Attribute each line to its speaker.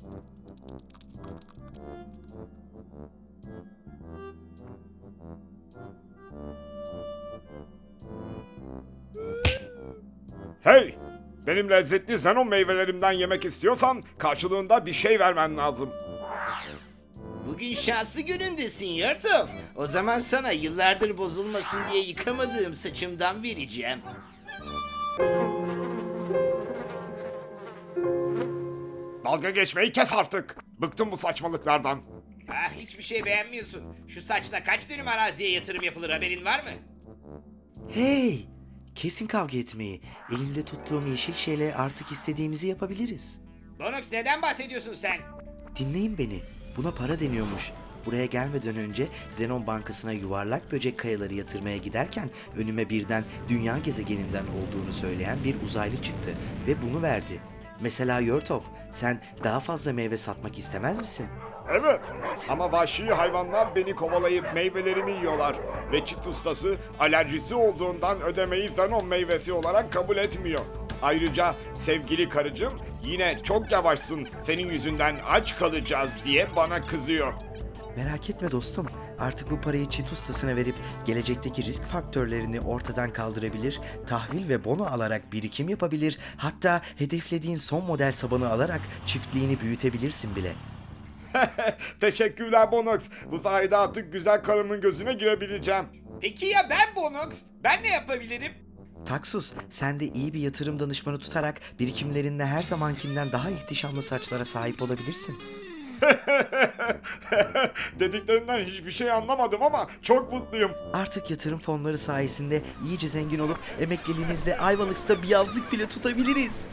Speaker 1: Hey! Benim lezzetli Zenon meyvelerimden yemek istiyorsan karşılığında bir şey vermen lazım.
Speaker 2: Bugün şanslı günündesin Yurtov. O zaman sana yıllardır bozulmasın diye yıkamadığım saçımdan vereceğim.
Speaker 1: Dalga geçmeyi kes artık. Bıktım bu saçmalıklardan.
Speaker 2: Ah, hiçbir şey beğenmiyorsun. Şu saçla kaç dönüm araziye yatırım yapılır, haberin var mı?
Speaker 3: Hey! Kesin kavga etmeyi. Elimde tuttuğum yeşil şeyle artık istediğimizi yapabiliriz.
Speaker 2: Bonox, neden bahsediyorsun sen?
Speaker 3: Dinleyin beni. Buna para deniyormuş. Buraya gelmeden önce Zenon Bankası'na yuvarlak böcek kayaları yatırmaya giderken önüme birden dünya gezegeninden olduğunu söyleyen bir uzaylı çıktı ve bunu verdi. Mesela Yurtov, sen daha fazla meyve satmak istemez misin?
Speaker 1: Evet ama vahşi hayvanlar beni kovalayıp meyvelerimi yiyorlar. Ve çit ustası alerjisi olduğundan ödemeyi Zenon meyvesi olarak kabul etmiyor. Ayrıca sevgili karıcığım yine çok yavaşsın, senin yüzünden aç kalacağız diye bana kızıyor.
Speaker 3: Merak etme dostum. Artık bu parayı çit ustasına verip gelecekteki risk faktörlerini ortadan kaldırabilir, tahvil ve bono alarak birikim yapabilir, hatta hedeflediğin son model sabanı alarak çiftliğini büyütebilirsin bile.
Speaker 1: Teşekkürler Bonox. Bu sayede artık güzel karımın gözüne girebileceğim.
Speaker 2: Peki ya ben Bonox? Ben ne yapabilirim?
Speaker 3: Taksus, sen de iyi bir yatırım danışmanı tutarak birikimlerinle her zamankinden daha ihtişamlı saçlara sahip olabilirsin.
Speaker 1: Dediklerinden hiçbir şey anlamadım ama çok mutluyum.
Speaker 3: Artık yatırım fonları sayesinde iyice zengin olup emekliliğimizde Ayvalık'ta bir yazlık bile tutabiliriz.